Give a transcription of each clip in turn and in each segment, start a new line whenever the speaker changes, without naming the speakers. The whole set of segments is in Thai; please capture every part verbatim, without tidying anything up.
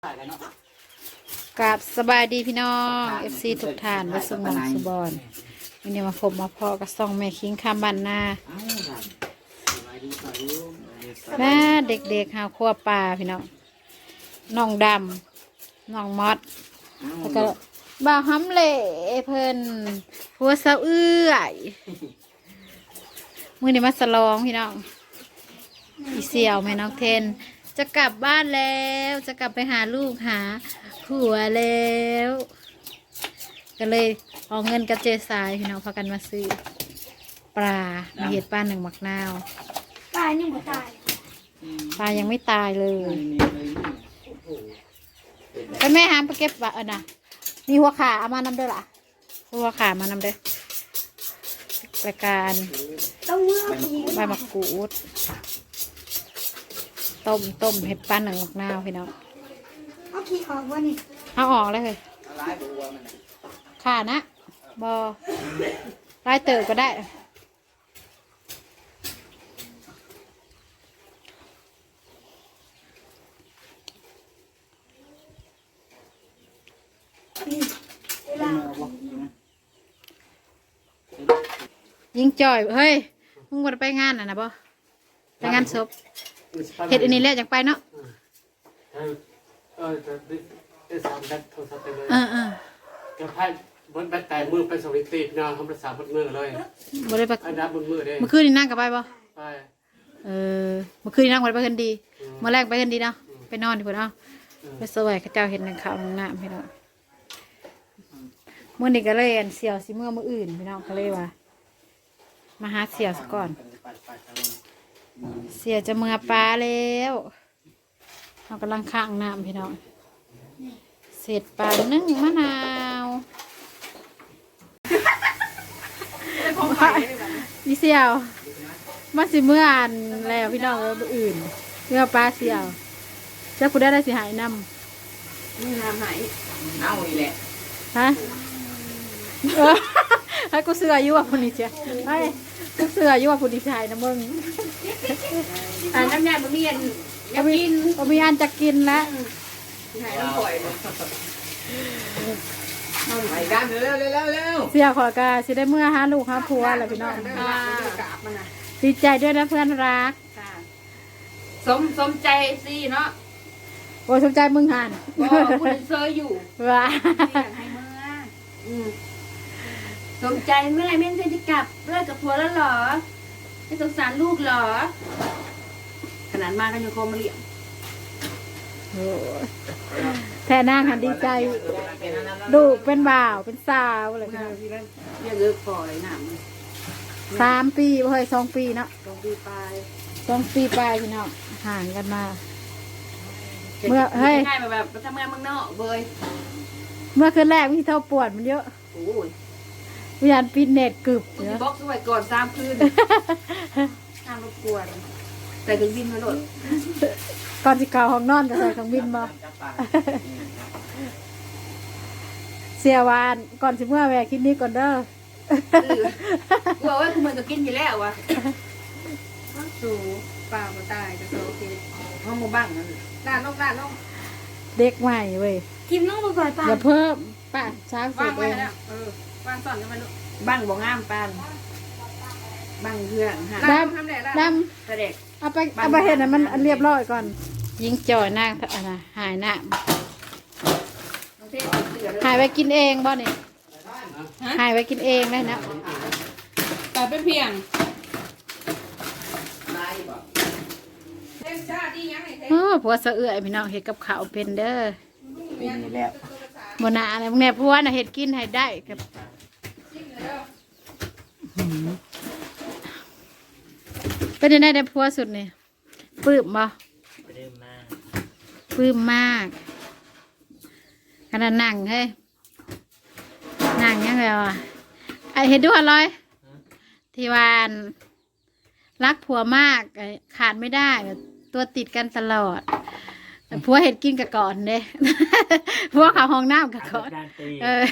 กับสบายดีพี่น้องเอฟซีทุกท่านวัสมองสุบอนวันนี้มาพบมาพอกับซองแม่คิงคำบันนาแม่เด็กๆหาขั้วปลาพี่น้องน้องดำน้องมอดแล้วก็บ่าวห้ำเล่เพิ่นหัวเสาเอื้อยมือนี้มาสลองพี่น้องอีเสี่ยวแม่น้องเทนจะกลับบ้านแล้วจะกลับไปหาลูกหาผัวแล้วก็เลยเอาเงินกับเจสายพี่น้องพากันมาซื้อปลามาเห็ดปลาหนึ่งหมักนาว
ปลายังไม่ตาย
ปลายังไม่ตายเลยไปแม่หามไปเก็บปลาเออนะมีหัวขาเอามานำเด้อล่ะหัวขามานำเด้อรายการ
ต้องเมื่อ
ใบมะกรูดต้มต้มเห็ดปลาหนึ่งหมักนาวพี่น้อง
เอาขี้ออกวะนี่
เอาออกเลยเลยขานะบอลายเติบก็ได้ยิงจ่อยเฮ้ยมึงวันไปงานอ่ะนะบอไปงานศพเห็ดอันนี้แหละจากไปเนาะ
เออเออจะได้สามแบตโทรศัพท์ไปเลย
เออเออ
จะพายบนแบตแต่มือไปสวิตตีนอนทำภาษาบนมือเลย
บ่ได้ไป
อันดับบนมือได้
เมื่อคืนนี่นั่งกับไปบ่
ไป
เออเมื่อคืนนี่นั่งไปไปกันดีเมื่อแรกไปกันดีเนาะไปนอนดีกว่าเนาะไปสวยข้าเจ้าเห็นหนึ่งข่าวหนึ่งน้ำพี่น้องเมื่อนี้ก็เลยอันเสี่ยวสิเมื่อมื่ออื่นพี่น้องก็เลยว่ามาหาเสี่ยวซะก่อนเสี่ยวจะเมื่อปลาแล้วเรากำลังข้างน้ำพี่น้องเสร็จปลานึ่งมะนาวพี่เสี่ยวมาสิเมื่ออ่านแล้วพี่น้องแล้วอื่นเมื่อปลาเสี่ยวเจ้าคุณได้ได้สิหายน้ำ
นี่น้ำหายเน่าอีแหละ
ฮะให้กูเสืออยู่ว่าคนนี้เจ้าให้กูเสืออยู่ว่าคนนี้ชายนะมึง
อ่าน้ำยาบะหมี่อยากกิน
บะหมี่อันจะกินแล้ว
หายน้ำปล่อยเลยไปกันเร็วเร็วเร็วเร็ว
เสียขอกาสิได้เมื่อหาลูกหาผัวแล้วพี่น้องดีใจด้วยนะเพื่อนรัก
สมสมใจสิเนาะ
โอ้สมใจมึงหัน
ก็คุณเซอร์อยู่
ว่า
ให้เมื่อสมใจเมื่อไรแม่เธอจะกลับเลิกกับผัวแล้วเหรอไม่สงสารลูกเหรอขนาดมาก็ยังโคมาเลี้ยง
แท่นางหันดีใจลูกเป็นบ่าวเป็นสาวอะไรพี่น้อง
เยอะเลิกปล่อยหนัง
สามปีเฮ้ยสองปีเนาะ
สองปีปลาย
สองปีปลายพี่น้องห่างกันมาเมื่อเฮ้ย
ง่ายแบบทำงานเมืองนอกเบย
เมื่อคืนแรกพี่เท่าปวดมันเยอะ
โอ้ย
วิญญาณปิดเน็ตกึบ
เนาะบล็อกสวยก่อนสามคืนห้ามรบกวนแต่ถึงบินมาโหลด
ก่อนที่เก่าห้องนอนจะใส่ของบินมาเสียวานก่อนสิเมื่อแวะคิดนี้ก่อนเด้อ
กูบอกว่ากูมันก็กินอยู่แล้ววะสูปลามาตายจะโซเคห้องมือบ้างนั่นด้านลงด้านลง
เด็กใหม่เว้ย
ทิมน้องมาก่อนป้า
อย่าเพิ่มป้าช้าง
สุดเองเออบ้างสอนกันมาลูกบ้างบ่งามปานบ้างเพื่อน
ดำดำ
เด็ก
เอาไปเอาไปเห็นนะมันเรียบร้อยก่อนยิงจ่อยนั่งอ่ะนะหายหน้าหายไปกินเองบ่เนี่ยหายไปกินเองได้นะ
แต่เป็นเพียง
โอ้ผัวเสือไอพี่น้องเห็ดกับข้าวเป็นเด้อ
เป็นนี่แล้ว
บนหน้าอะไรพวกเนี่ยผัวน่ะเห็ดกินให้ได้กับเป็นยังไงได้ผัวสุดเนี่ยปลื้มบ่
ปลื้มมาก
ปลื้มมากขนาดนั่งเฮ้ยนั่งยังไงวะไอเห็นด้วยอะไรที่วานรักผัวมากขาดไม่ได้ตัวติดกันตลอดผัวเห็ดกินกับก่อนเด้ผัวเขาห้องน้ำกับก่อนเออ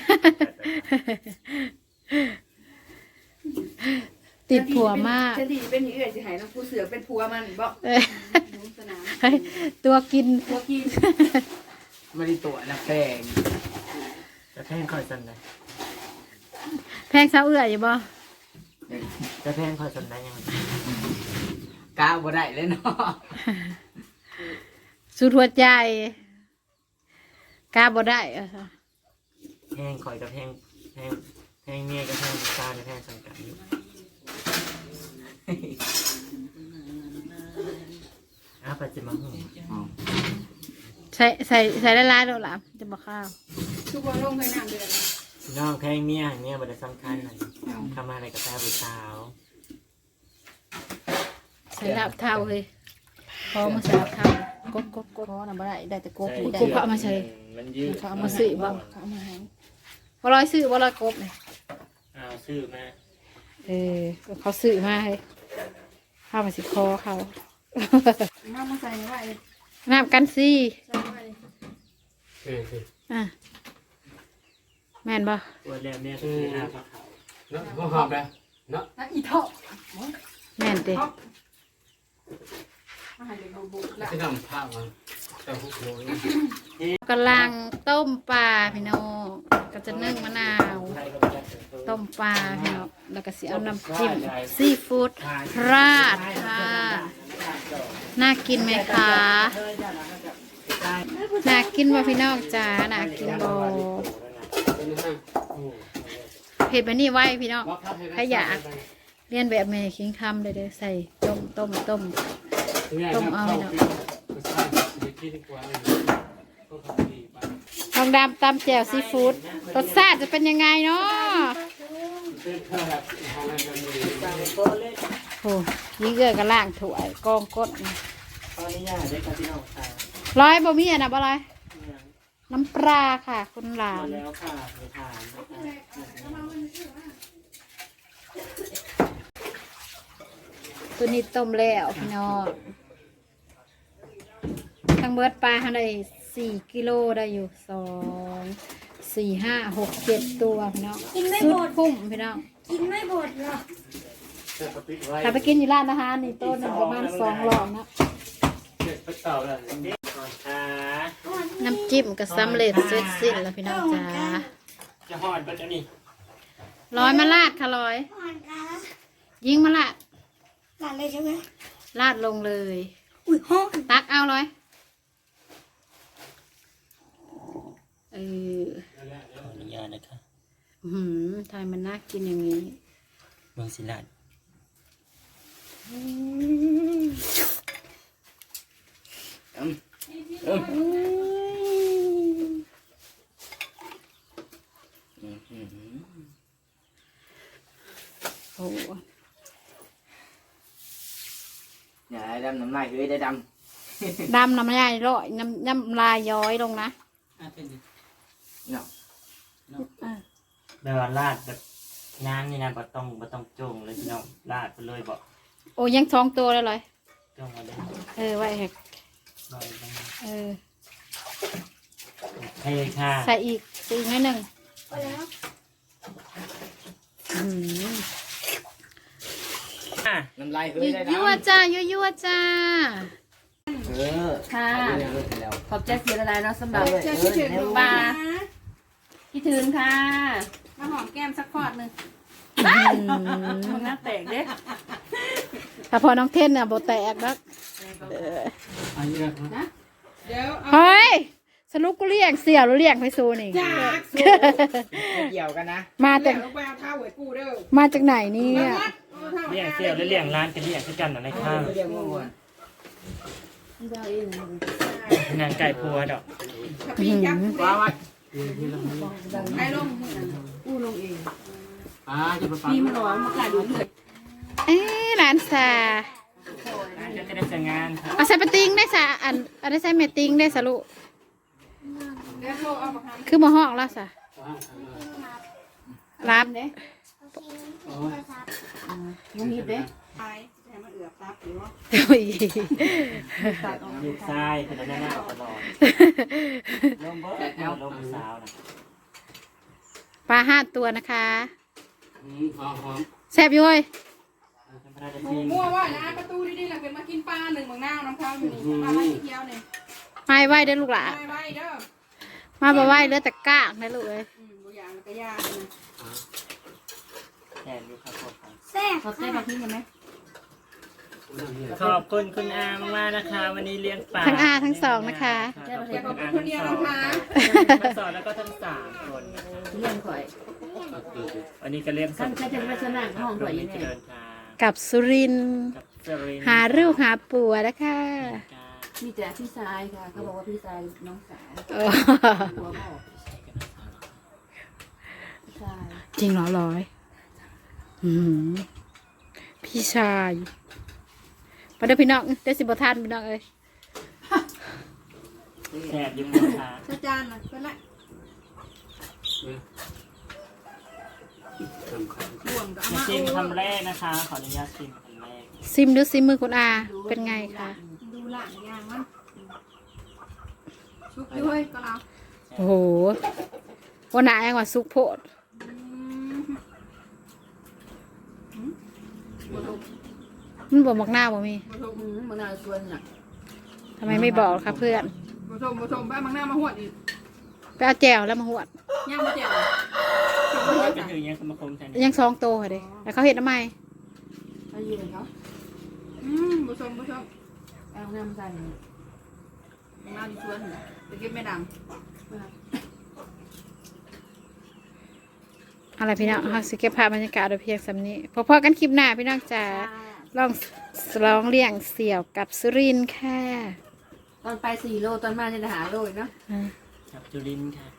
ติดผัวมาก
ฉันที่เป็นเอื้อยสิหายน้องผู้เสือเป็นผัวมันบอก
ตัวกิน
ตัวกิน
ไม่ได้ตัวนะแป้ง
จะแพงคอยสันได้
แพงเสาเอื้ออยู่บ่
จะแพงคอยสันได้ยังไง
กาบ่ได้เลยเนาะ
สุดหัวใจกล้าบ่ได้เออ
แพงคอยกับแพงแพงแพงเมียกับแพงตากับแพงสังกัดอยู่อ้าปัจจุบันหู
ใส่ใส่ใส่ละลายๆแล้วล่ะจะบ่ข้าว
ทุกคนลงเคยน้ำเดือด
พี่น้องแพงเมียเมียบัตรสำคัญหน่อยทำอะไรกับแฟนผู้สาว
ใส่ลาบเท่าเลยพอมาใส่ลาบเท่ากบกบกบ
เพราะน่ะบ่ได้ได้แต่กบ
กบเขาเอามาใส่
มันยืด
เขาเอามาซื้อบ่
เขาเอามาให้
บ่ร้อยซื้อบ่ร้อยกบนี่
เอาซื้อมา
เออเขาซื้อมาให้ข้าวมาสิคอเขา
น้ำมาใส่ไว้
น้ำกันซี่
ใส่ไว้
เออคือ
อ่ะแม่นบ่
ตัวแรกเนี่ยคืออาผักเขา
เนาะหอมเลยเนาะ
แล้วอีเถาะ
แม่นเด้
มาให้เด็กบุกละ
ที่ทำผ้ามาแต่หุกโรย
กำลังต้มปลาพี่น้องก็จะนึ่งมะนาว
ไทยก็ไม่ได้
ต้มปลาพี่น้องแล้วก็สิเอาน้ำจิ้มซีฟู้ดราดค่ะน่ากินไหมคะน่ากินบ่พี่น้องจ้าน่ากินบ่เผ็ดแบบนี้ไว้พี่น้องใครอยากเรียนแบบแม่คิงคำเลยเด้อใส่ต้มต้มต้ม ต้มเอาเนาะ ทองดำตำแจ่วซีฟู้ดรสชาติจะเป็นยังไงเนาะโอ้ยิ่งเกลือก็ล่างถ้วยกองก้น
ตอนนี้ย่าได้กับพี่น้องชาย
ร้อยบ่มีอ่ะนะบ่ร้อยน้ำปลาค่ะ คุณหลา
มาน แล้วค่ะไปทานนะคะ
ตัวนี้ต้มแล้วพี่น้องทั้งเบิดปลาเท่าไดสี่กิโลได้อยู่สองสี่ห้าหกเจ็ดตัวพี่น้อง
กินไม่
สุ
หม
ด
ด
คุ้มพี่น้อง
กินไม่หมดหรอก
ถ้าไปกินอยู่ร้านอาหารนี่โต๊ะหนึงประมาณสองร้อยนะ
เด็ดไปเต่าเลยก่อนค่ะ
น้ำจิ้มก็สำเร็จเสร็จสิ้นแล้วพี่น้องจ้า
จะหอดไปแล้วนี่
ร้อยมาลาดค่ะร้อย
อ่อนค่ะ
ยิงมาลาด
หลานเลยใช่ไหม
ลาดลงเลย
อุ้ยห้อง
ตักเอาเลยเออ
ขออนุญาตนะคะ
อื้อหืมทายมันน่ากินอย่างนี้
เมืองศิลาด
โอ้
อย่าให้ดำน้ำลายเลยได้ด
ดำน้ำลายร้อยน้ำน้ำลายย้อยลงนะ
ำเนาะ
แบบว่าลาดแบบน้ำนี่นะบ่ต้องบ่ต้องจงเลยพี่น้องลาดไปเลยบ่
โอ้ยังสองตัวเลยเลย
จงมาเลย
เออไว้ให้
ลอยไป
เออ
ให้ค่ะ
ใส่อีกใส่อีกนิดหนึ่ง
ไปแล้ว
อื้อหือ
อ่ะ
น้ำลายเฮ้ยได้ดำ
ยั่วจ้ายั่วยั่วจ้า
เออ
ค่ะ
เลิกแล้ว
ขอบใจเสียอะไรเนาะสำหรับ
เจ้าคิดถึง
ปลาคิดถึงค่ะมาหอมแก้มสักขอดหนึ่ง
อื้อหื
มัน
อ
น่าแตกเด้
ถ้าพอน้องเทนเนี่ยโบแตกแล้วเออ
อันนี้นะ
เดี๋ยว
เฮ้ยสรุปกูเรียกเสี่ยวหรือเรียกไปซูนี่
เกี่ยวกันนะ
มาจาก
ลงไปเอาเท้าไว้กูเด้อ
มาจากไหนเนี่ย
เลี้ยงเสี่ยวและเลี้ยงร้านกันเลี้ยงคือกันอะไรข้าง
เกี่ยวมั่ว
นางไก่พัวดอก
อื้อหือ
ว้าว
ใครลงกูลงเอง
อ่าจะไปฟัง
นี่มันร้อนมาขายดูเลย
เอ๊ะร้านซา
ร้านจะได้แต่งงานค่ะ
เอาใส่ปะติงได้ซะอันอันได้ใส่เมติงได้สะลูก
เดี๋ยวโทรเอามาท
คือมาห้องแล้วซะรับ
ำเด้
โอ้ย
ยุงฮิตเด้ไปให้มันเอือบซับหรือว่า
โอ้ย
ตัดออก
ลูกชายเป็นอะไรหน้าตลอดลมเบิร์ดลมสาวนะ
ปลาห้าตัวนะคะ
อืมหอมหอม
แซ่บอยู่เว้ย
เป็นพระราช
หมู
ที
มั่วว่านะประตูดีๆหลังเป็นมากินปลาหนึ่งเมืองหน้าน้ำข้าวอยู่นี่ปลาไว้เที่ยวเนี่ย
ไม่ไหวได้อลูกหล่ะ
ไว้ไว้เด้อ
มาบ่ไหวเหลือแต่กากนะลูกเอ้ย
อืมบ่อย่างมันก็ยากนะ
แทนดูครับผม
แซ่บ
ขอเต้นมาทิ้งกันไหม
ขอบคุณคุณอามากๆนะคะ วันนี้เลี้ยงปลา
ทั้งอาทั้งสองนะคะ
ขอบคุณคุณอาทั้งสองทั้งสองแล้วก็ทั้งสามคนนะคะ
เลี้ยงข่อย
วันนี้ก็เลี้ยง
ท่านจะเป็นลักษณะห้องข่อยยังไง
เดินทาง
กับสุรินทร์
กับเซริน
หาลูกหาปัวนะคะ
มีแต่พี่ชายค่ะเขาบอกว่าพี่ชายน้องสาว
โอ้
หัวบอกพี่ชาย
จริงเหรอร้อยอืมพี่ชายมาเด้อพี่น้องเด้อสิบทานพี่น้องเอ้ย
แสบอยุ่งนะคะ
อาจารย์น่ะเป็นละ
สำคัญ
ห่วงกับอา
มา
มา
ชิมคำแรกนะคะ ขออนุญาตชิมคำแรก
ซิมดูซิมมือคุณอา เป็นไงคะ
ดูหลานยางมันชุบด้วยก็เรา
โอ้โหวันไหนกว่าซุกโพด
บ่ถูก
มันบอกมักหน้าบ่มี
บ่ถูกมึงน่าชวนน่ะ
ทำไมไม่บอกคะเพื่อน
บ่ถูกบ่ถูกไปมังหน้ามาหวดอีก
ไปเอาแจวแล้วมาหวด
ย่างมาแจ่ว
เป็นถึงยังสมาคมแทน
ยังซองโตค่ะเด้แล้วเขาเห็นทำไม
ไปยืนเขาอืมบ่ถูกบ่ถูกเอาน้ำใส่มังหน้าชวนน่ะตะเก็บไม่ดัง
อะไรพี่น้องเขาสิเก็บภาพบรรยากาศโดยเพียงสำนี้พอๆกันคลิปหน้าพี่น้องจ๋าลองลองเลี้ยงเสี่ยวกับสุรินทร์ค่ะ
ตอนไปสี่โลตอนมาจะหาโลอีกเนาะ
อ่า
กับจุลินทร์ค่ะ